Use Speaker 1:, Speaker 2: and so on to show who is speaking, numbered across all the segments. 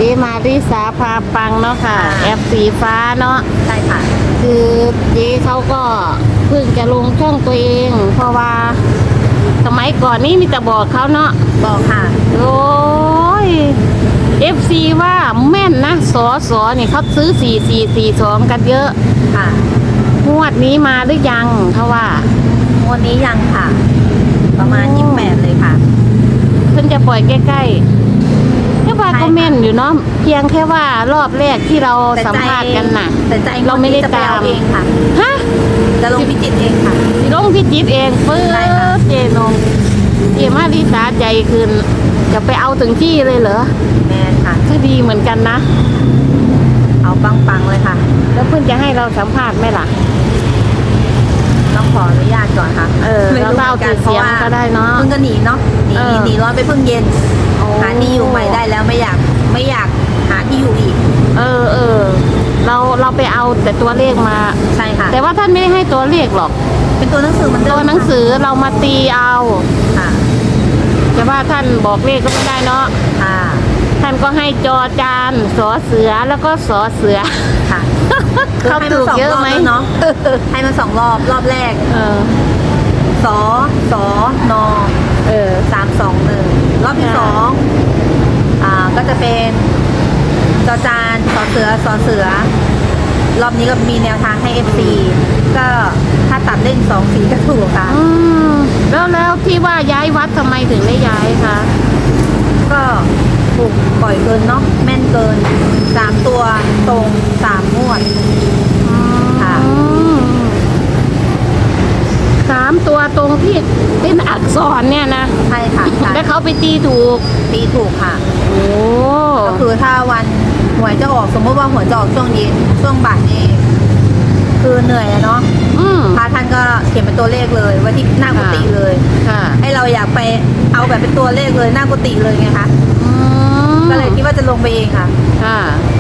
Speaker 1: มาริสาพาปังเนาะค่ะแอปสีฟ้าเนาะ
Speaker 2: ใช่ค่ะ
Speaker 1: คือเจ๊เขาก็เพิ่งจะลงช่องตัวเอง เพราะว่าสมัยก่อนนี่มีแต่บอกเขาเนาะ
Speaker 2: บอกค่ะ
Speaker 1: โอ้ย FC ว่าแม่นนะสอนี่เขาซื้อ4442กันเยอะ
Speaker 2: ค่ะ
Speaker 1: งวดนี้มาหรือยังเขาว่า
Speaker 2: วันนี้ยังค่ะ ประมาณ28เลยค่ะ
Speaker 1: เพิ่งจะปล่อยใกล้ๆแค่ว่าก็แม่นอยู่เนาะเพียงแค่ว่ารอบแรกที่เราสัมภาษณ์กันน่ะ
Speaker 2: แต่ใจ
Speaker 1: เราไม่ได้
Speaker 2: จะปเอ
Speaker 1: ตาม
Speaker 2: เองค่ะ
Speaker 1: ฮะ
Speaker 2: จะลงพิจิตรเองค่ะ
Speaker 1: สิลงพิจิตรเองปื๊
Speaker 2: ใช่ค่ะ
Speaker 1: ดเจนงเจมาริสาใจคืนจะไปเอาถึงที่เลยเหรอ
Speaker 2: แม่ค่ะ
Speaker 1: คือดีเหมือนกันนะ
Speaker 2: เอาปังๆเลยค่ะ
Speaker 1: แล้วเพิ่งจะให้เราสัมภาษณ์ไหมล่ะ
Speaker 2: ต้องขออนุญาตก่อนค่ะ ไม่
Speaker 1: เรา
Speaker 2: รู้
Speaker 1: เล่า
Speaker 2: เหมือนกั
Speaker 1: ติ
Speaker 2: น
Speaker 1: ดเสียงก็ได้เนาะ
Speaker 2: เพิ่งก็หนีเนาะหนี
Speaker 1: เออ
Speaker 2: หนีร้อนไปเพิ่งเย็น
Speaker 1: โอ้
Speaker 2: หาที่อยู่ใหม่ได้แล้วไม่อยากหาที่อยู่อีก
Speaker 1: เราไปเอาแต่ตัวเลขมา
Speaker 2: ใช่ค่ะ
Speaker 1: แต่ว่าท่านไม่ได้ให้ตัวเลขหรอก
Speaker 2: เป็นตัวหนังสือเหมือนเดิ
Speaker 1: ตั
Speaker 2: ม
Speaker 1: วหนังสือเรามาตีเอา
Speaker 2: ค่ะ
Speaker 1: แต่ว่าท่านบอกเลขก็ไม่ได้เนาะ
Speaker 2: ค่ะ
Speaker 1: ท่านก็ให้จอจานสอเสือแล้วก็สอเสือ
Speaker 2: ค่ะ
Speaker 1: เขาถูกเยอะไหม
Speaker 2: ให้นสงรบแล้วเนาะให้มัน2 รอบรอบแรก
Speaker 1: เออ
Speaker 2: สน
Speaker 1: เออ
Speaker 2: 321รอบที่
Speaker 1: ค่ะ
Speaker 2: ก็จะเป็นจอจานสอเสือ รอบนี้ก็มีแนวทางให้ FC ก็ถ้าตัดเล่น2 สีก็ถูกค่ะ
Speaker 1: อืมแล้วที่ว่าย้ายวัดทำไมถึงได้ย้ายคะ
Speaker 2: ก็ถูกปล่อยเกินเนาะแม่นเกิน3 ตัวตรง3 งวด ค่ะ
Speaker 1: อืม3 ตัวตรงที่เป็นอักษรเนี่ยนะ
Speaker 2: ใช่ค่ะใช่
Speaker 1: แล้วเขาไปตีถูก
Speaker 2: ตีถูกค่ะ
Speaker 1: โอ้
Speaker 2: ก็คือถ้าวันหวยจะออกสมมติว่าหวยจะออกช่วงเย็นช่วงบ่ายนี่คือเหนื่อยอะเนาะ
Speaker 1: อืม
Speaker 2: พระท่านก็เขียนเป็นตัวเลขเลยไว้ที่หน้ากุฏิเลย
Speaker 1: ค่ะ
Speaker 2: ให้เราอยากไปเอาแบบเป็นตัวเลขเลยหน้ากุฏิเลยไงคะ
Speaker 1: อืม
Speaker 2: ก็เลยคิดว่าจะลงไปเองค่ะ
Speaker 1: ค่ะ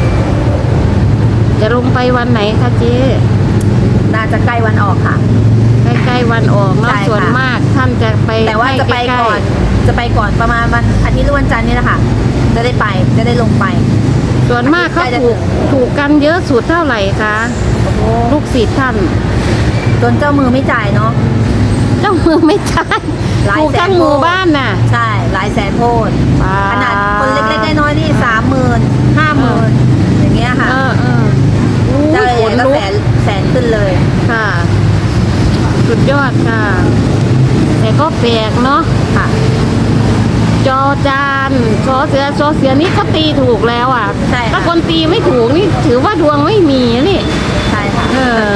Speaker 1: จะลงไปวันไหนคะเจ๊
Speaker 2: น่าจะใกล้วันออกค่ะ
Speaker 1: ใกล้ๆวันออกเนาะ
Speaker 2: ใช่ค่ะ
Speaker 1: ส่วนมากท่านจะไป
Speaker 2: แต่ว่าจะไป
Speaker 1: ให้ใล้
Speaker 2: ก่อน
Speaker 1: ๆ
Speaker 2: จะไปก่อนประมาณวันอาทิตย์หรือวันจันทร์นี่แหละค่ะ จะได้ไปจะได้ลงไป
Speaker 1: ส่วนมากเขา
Speaker 2: ใกล้จะ
Speaker 1: ถูกกันเยอะสุดเท่าไหร่คะลูกศิษย์ท่าน
Speaker 2: จนเจ้ามือไม่จ่ายเนาะ
Speaker 1: เจ้ามือไม่ใช่
Speaker 2: หลาย
Speaker 1: ถูก
Speaker 2: แสน
Speaker 1: ทั้งหมู่บ้านน่ะ
Speaker 2: ใช่หลายแสนโพด
Speaker 1: ว้า
Speaker 2: ขนาดคนเล็กๆน้อยๆนี่30,000 50,000อย่างเงี้ยค่ะ
Speaker 1: อู้
Speaker 2: เจ้าให
Speaker 1: ข
Speaker 2: ญ่
Speaker 1: น
Speaker 2: ก็
Speaker 1: ลุก
Speaker 2: แสนขึ้นเลย
Speaker 1: ค่ะ สุดยอดค่ะ แต่ก็แปลกเนาะ
Speaker 2: ค่ะ
Speaker 1: จอจานซอเสือนี่เขาตีถูกแล้วอ่ะ
Speaker 2: ใช่ค่ะ
Speaker 1: ถ้าคนตีไม่ถูกนี่ถือว่าดวงไม่มีนี่
Speaker 2: ใช่ค่ะ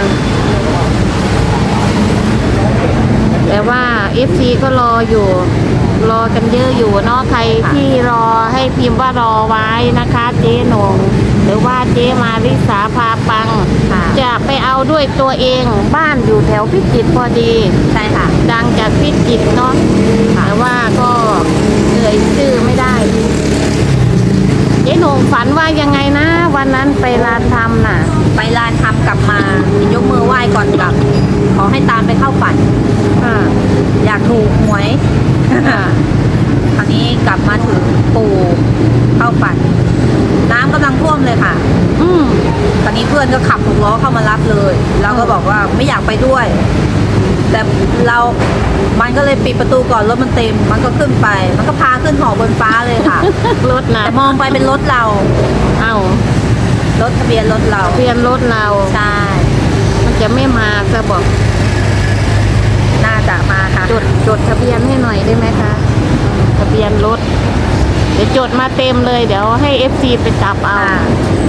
Speaker 1: แต่ว่า FC ก็รออยู่ รอกันเยอะอยู่เนาะใครที่รอให้พิมพ์ว่ารอไว้นะคะ เจ๊หนงหรือว่าเจ๊มาริสาพาปัง
Speaker 2: ค่ะ
Speaker 1: จะไปเอาด้วยตัวเองบ้านอยู่แถวพิจิตรพอดี
Speaker 2: ใช่ค่ะ
Speaker 1: ดังจากพิจิตรเนาะแต่ว่าก็เอ่ยชื่อไม่ได้ เจ๊หนงฝันว่ายังไงนะ วันนั้นไปลานธรรมน่ะ
Speaker 2: ไปลานทำกลับมายกมือไหว้ก่อนกลับ ขอให้ตามไปเข้าฝัน
Speaker 1: ค่ะ
Speaker 2: อยากถูกหวย
Speaker 1: ค่ะ
Speaker 2: คราวนี้กลับมาถึงปู่เข้าฝัน น้ำกำลังท่วมเลยค่ะ
Speaker 1: อืม
Speaker 2: ตอนนี้เพื่อนก็ขับ6 ล้อเข้ามารับเลย เราก็บอกว่าไม่อยากไปด้วย แต่มันก็เลยปิดประตูก่อนรถมันเต็ม มันก็ขึ้นไป มันก็พาขึ้นหอบนฟ้าเลยค่ะ
Speaker 1: รถนะ
Speaker 2: แต่มองไปเป็นรถเรา
Speaker 1: เอ้าร
Speaker 2: ถทะเบียนรถเรา
Speaker 1: เพียนรถเรา
Speaker 2: ใช่
Speaker 1: มันจะไม่มาจะบอก
Speaker 2: น่าจะมาค่ะ
Speaker 1: จดทะเบียนให้หน่อยได้ไหมคะ ทะเบียนรถ เดี๋ยวจดมาเต็มเลย เดี๋ยวให้ FC ไปจับเอา
Speaker 2: ค่ะ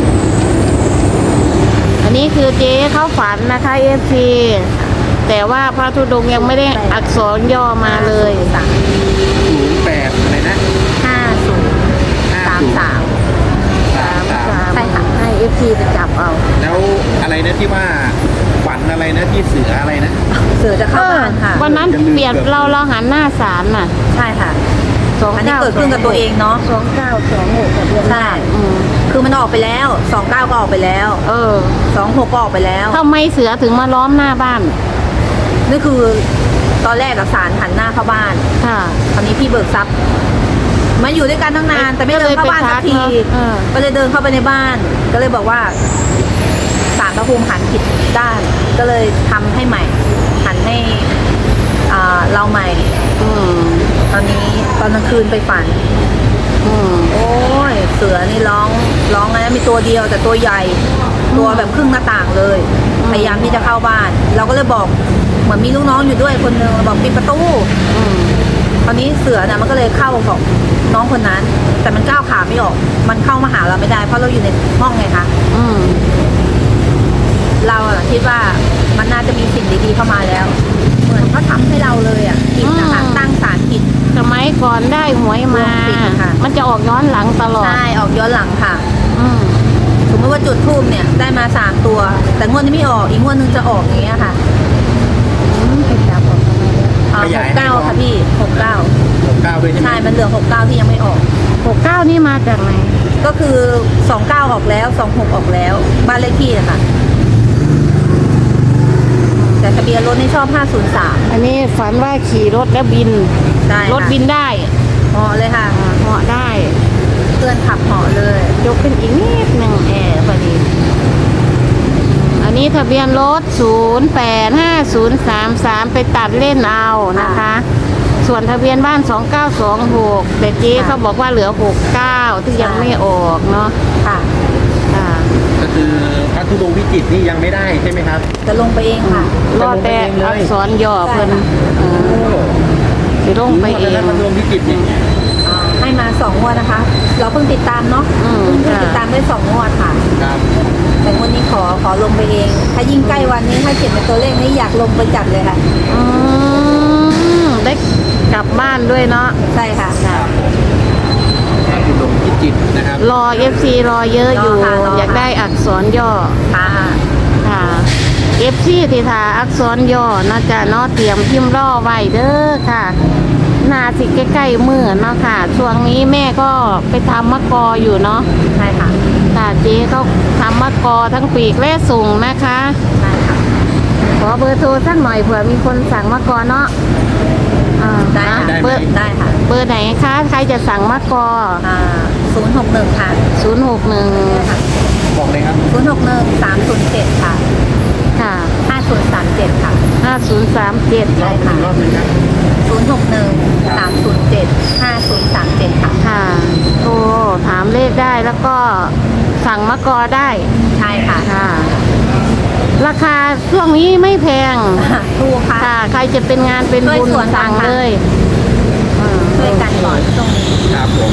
Speaker 1: อันนี้คือเจ๊เข้าฝันนะคะ FC แต่ว่าพระธุดงค์ยังไม่ได้อักษรย่อมาเลย
Speaker 3: 08อะไรนะ
Speaker 2: 5033
Speaker 3: 33
Speaker 2: ใช่ค่ะ
Speaker 1: ให้ FC ไปจับเอา
Speaker 3: แล้วอะไรนะที่ว่าฝันอะไรนะที่เสืออะไรนะ
Speaker 2: เสือจะเข้าบ้านค่ะ
Speaker 1: วันนั้นเปลี่ยนเราหันหน้าศาลน่ะ
Speaker 2: ใช่ค่ะ อันนี้
Speaker 1: 29
Speaker 2: เกิดขึ้นกับตัวเองเนาะ
Speaker 1: 2926ทะเบียน
Speaker 2: ใช่
Speaker 1: อืม
Speaker 2: คือมันออกไปแล้ว29ก็ออกไปแล้ว 26ก็ออกไปแล้ว
Speaker 1: ทำไมเสือถึงมาล้อมหน้าบ้าน
Speaker 2: นี่คือตอนแรกกับสารหันหน้าเข้าบ้าน
Speaker 1: ค่ะ
Speaker 2: ตอนนี้พี่เบิกทรัพย์มาอยู่ด้วยกันตั้งนาน แต่ไม่เดินเข้าบ้านสักที ก็เลยเดินเข้าไปในบ้าน ก็เลยบอกว่าศาลพระภูมิหันผิดด้าน ก็เลยทำให้ใหม่ หันให้เราใหม่ ตอนนี้ตอนกลางคืนไปฝัน โอ้ยเสือนี่ร้องนะมีตัวเดียวแต่ตัวใหญ่ ตัวแบบครึ่งหน้าต่างเลย พยายามที่จะเข้าบ้าน เราก็เลยบอกเหมือนมีลูกน้องอยู่ด้วยคนนึงบอกปิดประตูตอนนี้เสือน่ะมันก็เลยเข้าของน้องคนนั้น แต่มันก้าวขาไม่ออก มันเข้ามาหาเราไม่ได้เพราะเราอยู่ในห้องไงคะเราคิดว่ามันน่าจะมีสิ่งดีๆเข้ามาแล้ว เหมือนเขาทำให้เราเลยผิดนะคะตั้งศาลผิด
Speaker 1: สมัยก่อนได้หวยมา
Speaker 2: ผิดค่ะ
Speaker 1: มันจะออกย้อนหลังตลอด
Speaker 2: ใช่ออกย้อนหลังค่ะ
Speaker 1: อืม
Speaker 2: สมมติว่าจุดทูบเนี่ยได้มา3 ตัว แต่งวดนี้ไม่ออกอีกงวดนึงจะออกอย่างเงี้ยค่ะ
Speaker 1: ไปจับออกทำไมเนี่ย
Speaker 2: 69ค่ะพี่69
Speaker 3: 69ด้วยใช่ไหม
Speaker 2: ใช่มันเหลือ69ที่ยังไม่ออก
Speaker 1: 69นี่มาจากไหน
Speaker 2: ก็คือ29ออกแล้ว26ออกแล้วบ้านเลขที่อะค่ะ แต่ทะเบียนรถนี่ชอบ503
Speaker 1: อันนี้ฝันว่าขี่รถแล้วบิน
Speaker 2: ได้ค่ะ
Speaker 1: รถบินได้
Speaker 2: เหาะเลยค่ะ
Speaker 1: เหาะได้
Speaker 2: เพื่อนขับเหาะเลย
Speaker 1: ยกขึ้นอีกนิดหนึ่งแอร์พอดี อันนี้ทะเบียนรถ085033ไปตัดเล่นเอานะคะ ส่วนทะเบียนบ้าน2926แต่เจ๊เขาบอกว่าเหลือ69ที่ยังไม่ออกเนาะ
Speaker 2: ค่ะ
Speaker 1: ค่ะ
Speaker 3: ก็คือพระธุดงค์พิจิตรนี่ยังไม่ได้ใช่ไหมครับ
Speaker 2: จะลงไปเองค่ะ
Speaker 1: รอแต่อักษรย่อเพิ่นสิลงไปเอง
Speaker 3: พระธุดงค์พิจิตรนี่
Speaker 2: ให้มา2 งวดนะคะ เราเพิ่งติดตามเนาะ เพิ่งติดตามได้2 งวดค่ะ
Speaker 3: ครับ
Speaker 2: แต่งวดนี้ขอลงไปเอง ถ้ายิ่งใกล้วันนี้ถ้าเขียนเป็นตัวเลขนี่อยากลงไปจัดเลยค่ะ
Speaker 1: ได้กลับบ้านด้วยเนาะ
Speaker 2: ใช่ค่ะ
Speaker 3: พระธุดงค์พิจิตรนะครับ
Speaker 1: รอ FC รอเยอะอยู่
Speaker 2: รอค่ะรอค่ะ
Speaker 1: อยากได้อักษรย่อ
Speaker 2: ค่ะ
Speaker 1: ค่ะ FC ที่ทาอักษรย่อนะจ๊ะเนาะเตรียมพิมพ์รอไว้เด้อค่ะนาสิใกล้ๆมือเนาะค่ะ ช่วงนี้แม่ก็ไปทำมะกออยู่เนาะ
Speaker 2: ใช่ค่ะ
Speaker 1: ค่ะเจ๊เขาทำมะกอทั้งปีกและส่งนะคะ
Speaker 2: ใช่ค่ะ
Speaker 1: ขอเบอร์โทรสักหน่อยเผื่อมีคนสั่งมะกอเนาะ
Speaker 2: ได้ค่ะ
Speaker 3: ได้ไหม
Speaker 1: เบอร์
Speaker 2: ได้ค่ะ
Speaker 1: เบอร์ไหนคะใครจะสั่งมะกอ
Speaker 2: 061 ค่ะ
Speaker 1: 061
Speaker 3: บอกเลยครับ
Speaker 2: 061 307 ค่ะ
Speaker 1: ค่ะ
Speaker 2: 5037 ค่ะ
Speaker 1: 5037
Speaker 2: ใช่ค่ะ
Speaker 3: อีกรอบหนึงครับ
Speaker 2: 061 307 5037 ค่ะ
Speaker 1: ค่ะโทรถามเลขได้แล้วก็สั่งมะกอได้
Speaker 2: ใช่ค่ะ
Speaker 1: ค่ะ ราคาช่วงนี้ไม่แพง
Speaker 2: ถูกค่ะ
Speaker 1: ค่ะ ใครจะเป็นงานเป็นบุญ
Speaker 2: ช่วยส่วน
Speaker 1: สั่ง
Speaker 2: ต่างๆ
Speaker 1: เลย
Speaker 2: ช่วยกันก่อนตรงนี้
Speaker 3: ครับผม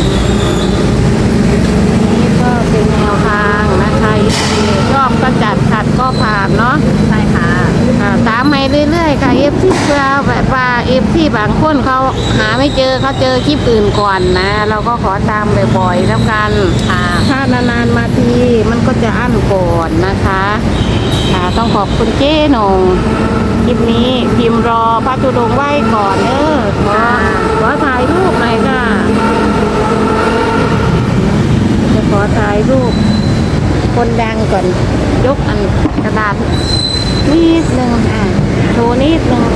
Speaker 1: นี่ก็เป็นแนวทางนะคะชอบก็จัดขัดก็ผ่านเนาะ
Speaker 2: ใช่ค่ะ
Speaker 1: ค่ะตามไปเรื่อยๆค่ะที่เพื่อแบบว่าที่บางคนเขาหาไม่เจอเขาเจอคลิปอื่นก่อนนะ เราก็ขอตามบ่อยๆแล้วกัน
Speaker 2: ค่ะ
Speaker 1: ถ้านานๆมาทีมันก็จะอั้นก่อนนะคะค่ะต้องขอบคุณเจ๊หนงคลิปนี้พิมพ์รอพระธุดงค์ไหว้ก่อนขอถ่ายรูปหน่อยค่ะจะขอถ่ายรูปคนดังก่อนยกอันกระดาษนิดนึงโชว์นิดนึง